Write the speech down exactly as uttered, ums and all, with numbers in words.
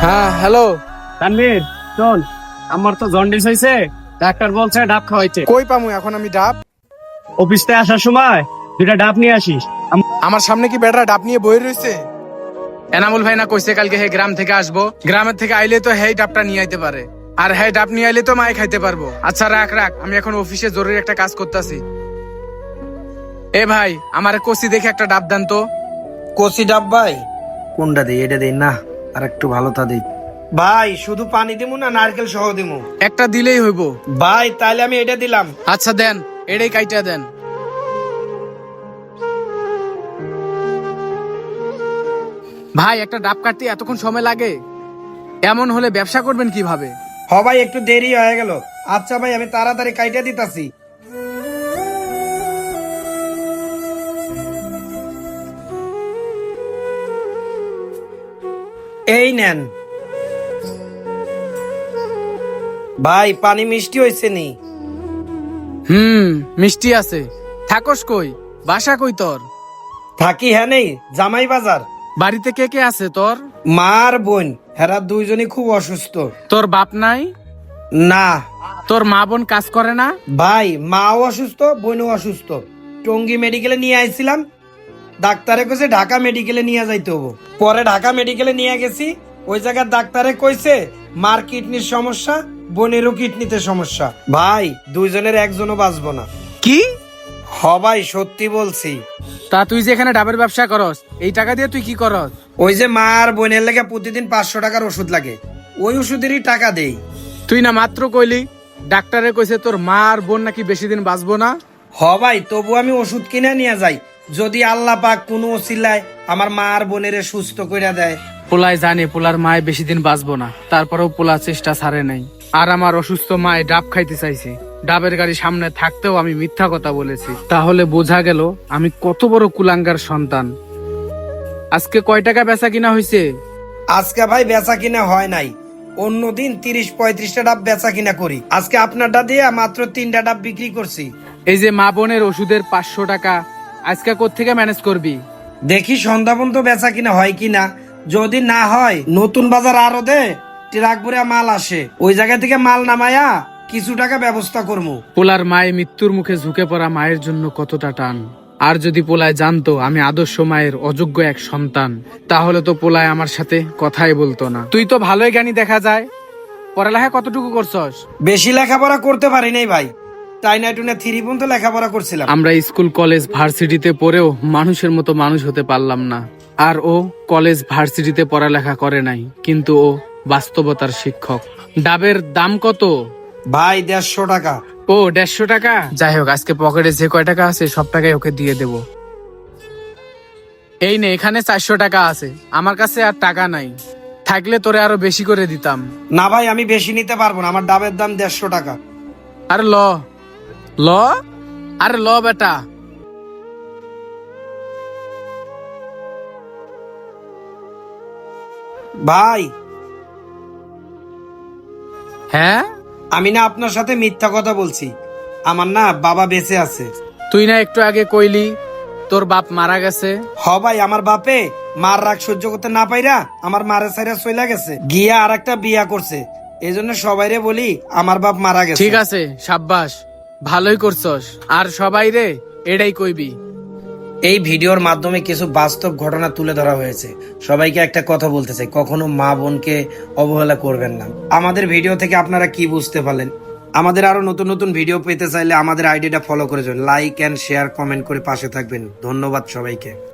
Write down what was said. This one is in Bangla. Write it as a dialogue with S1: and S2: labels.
S1: হ্যাঁ হ্যালো।
S2: তানভীর শোন, আমার তো জন্ডিস হয়েছে, ডাক্তার বলছে ডাব খাওয়াইতে।
S1: কই পামু এখন আমি ডাব?
S2: অফিস থেকে আসার সময় দুইটা ডাব নিয়ে আসিস। আম-
S1: আমার সামনে কি বেটা ডাব নিয়ে বই রয়েছে? এনামুল ভাই না কইছে কালকে হে গ্রাম থেকে আসবো, গ্রামের থেকে আইলে তো হেই ডাবটা নিয়ে আইতে পারে, আর হেই ডাব নিয়ে আইলে তো মায়ে খাইতে পারবো। আচ্ছা রাখ রাখ, আমি এখন অফিসে জরুরি একটা কাজ করতেছি। এ ভাই, আমার কষি দেখে একটা ডাব দেন তো।
S3: কচি ডাব ভাই? কোনটা দিই? এটা দিই না, আর একটু ভালোটা দিই। ভাই শুধু পানি দিমু না নারকেল সহ দিমু?
S1: একটা দিলেই হইব।
S3: ভাই তাইলে আমি এটা দিলাম।
S1: আচ্ছা দেন, এটাই কাইটা দেন। ভাই একটা ডাব কাটতে এতক্ষণ সময় লাগে? এমন হলে ব্যবসা করবেন কিভাবে?
S3: হ ভাই একটু দেরি হয়ে গেল। আচ্ছা ভাই আমি তাড়াতাড়ি কাইটা দিতাছি। এই নেন ভাই, পানি মিষ্টি হয়েছে নি?
S1: হুম, মিষ্টি আছে। থাকস কই? বাসা কই তোর?
S3: থাকি হ্যাঁ নেই, জামাই বাজার।
S1: বাড়িতে কে কে আছে তোর?
S3: মা আর বোন, হেরা দুইজনই খুব অসুস্থ।
S1: তোর বাপ নাই?
S3: না
S1: তোর মা বোন কাজ করে না?
S3: ভাই, মাও অসুস্থ বোনও অসুস্থ। টঙ্গী মেডিকেলে নিয়ে আইছিলাম, ডাক্তারে কইছে ঢাকা মেডিকেলে নিয়ে যাইতে হবো। পরে ঢাকা মেডিকেলে নিয়ে গেছি, ওই জায়গার ডাক্তারে কইছে মার কিডনির সমস্যা, বোনেরও কিডনিতে সমস্যা। ভাই দুইজনের একজনও বাঁচবো না।
S1: কি?
S3: হ ভাই সত্যি বলছি।
S1: তা তুই যে এখানে ডাবের ব্যবসা করস, এই টাকা দিয়ে তুই কি করস?
S3: ওই যে মা আর বোনের লেগে প্রতিদিন পাঁচশো টাকার ওষুধ লাগে, ওই ওষুধেরই টাকা দেই।
S1: তুই না মাত্র কইলি ডাক্তারে কইছে তোর মা আর বোন নাকি বেশি দিন বাঁচবো না?
S3: হ ভাই, তবু আমি ওষুধ কিনে নিয়ে যাই, যদি আল্লাহ পাক কোনো ওসিলায় আমার মা আর বোনের সুস্থ কইরা দেয়।
S1: পোলায় জানে পোলার মায় বেশি দিন বাঁচবো না, তারপরেও পোলা চেষ্টা ছাড়ে নাই। আর আমার অসুস্থ মায় ডাব খাইতে চাইছে, ডাবের গাড়ি সামনে থাকতেও আমি মিথ্যা কথা বলেছি। তাহলে বোঝা গেল আমি কত বড় কুলাঙ্গার সন্তান। আজকে কয় টাকা বেচা কিনা হয়েছে?
S3: আজকে ভাই বেচা কিনা হয় নাই, অন্যদিন তিরিশ পঁয়ত্রিশটা ডাব বেচা কিনা করি, আজকে আপনারটা দিয়ে মাত্র তিনটা ডাব বিক্রি করছি।
S1: এই যে মা বোনের ওষুধের পাঁচশো টাকা আজকে কোত্থেকে ম্যানেজ করবি?
S3: দেখি সন্ধ্যা পর্যন্ত বেচা কিনা হয় কিনা, যদি না হয় নতুন বাজার আরো দে ট্রাক ভরে মাল আসে, ওই জায়গা থেকে মাল নামায়া কিছু টাকা ব্যবস্থা করবো।
S1: পোলার মায়ে মৃত্যুর মুখে ঝুঁকে পড়া মায়ের জন্য কতটা টান। আর যদি পোলায় জানতো আমি আদর্শ মায়ের অযোগ্য এক সন্তান, তাহলে তো পোলায় আমার সাথে কথাই বলতো না। তুই তো ভালোই জ্ঞানী দেখা যায়, পড়ালেখা কতটুকু করছস?
S3: বেশি লেখাপড়া করতে পারি নাই ভাই, তাই না টুনে থ্রি পর্যন্ত লেখাপড়া করছিলাম।
S1: আমরা স্কুল কলেজ ভার্সিটিতে পড়েও মানুষের মতো মানুষ হতে পারলাম না। আর ও কলেজ ভার্সিটিতে পড়ালেখা করে নাই, কিন্তু ও বাস্তবতার শিক্ষক। ডাবের দাম কত?
S3: ভাই দেড়শো টাকা।
S1: ও দেড়শো টাকা? যাই হোক, আজকে পকেটে যে কয় টাকা আছে সব টাকাই ওকে দিয়ে দেব। এই নে, এখানে চারশো টাকা আছে, আমার কাছে আর টাকা নাই, থাকলে তোরে আরো বেশি করে দিতাম।
S3: না ভাই আমি বেশি নিতে পারবো না, আমার ডাবের দাম দেড়শো টাকা।
S1: আরে ল ল আরে ল বেটা।
S3: ভাই
S1: হ্যাঁ,
S3: আমি না আপনার সাথে মিথ্যা কথা বলছি, আমার না বাবা বেঁচে আছে।
S1: তুই না একটু আগে কইলি তোর বাপ মারা গেছে?
S3: হ ভাই, আমার বাপে মার রাগ সহ্য করতে না পাইরা আমার মারে সাইরা চইলা গেছে, গিয়া আর একটা বিয়া করছে। এই জন্য সবাইরে বলি আমার বাপ মারা গেছে।
S1: ঠিক আছে, সাব্বাস, ভালোই করছস। আর সবাই রে এটাই কইবি।
S3: এই ভিডিওর মাধ্যমে কিছু বাস্তব ঘটনা তুলে ধরা হয়েছে। সবাইকে একটা কথা বলতে চাই, কখনো মা বোনকে অবহেলা করবেন না। আমাদের ভিডিও থেকে আপনারা কি বুঝতে পারলেন? আমাদের আরো নতুন নতুন ভিডিও পেতে চাইলে আমাদের আইডিটা ফলো করে যান, লাইক এন্ড শেয়ার কমেন্ট করে পাশে থাকবেন। ধন্যবাদ সবাইকে।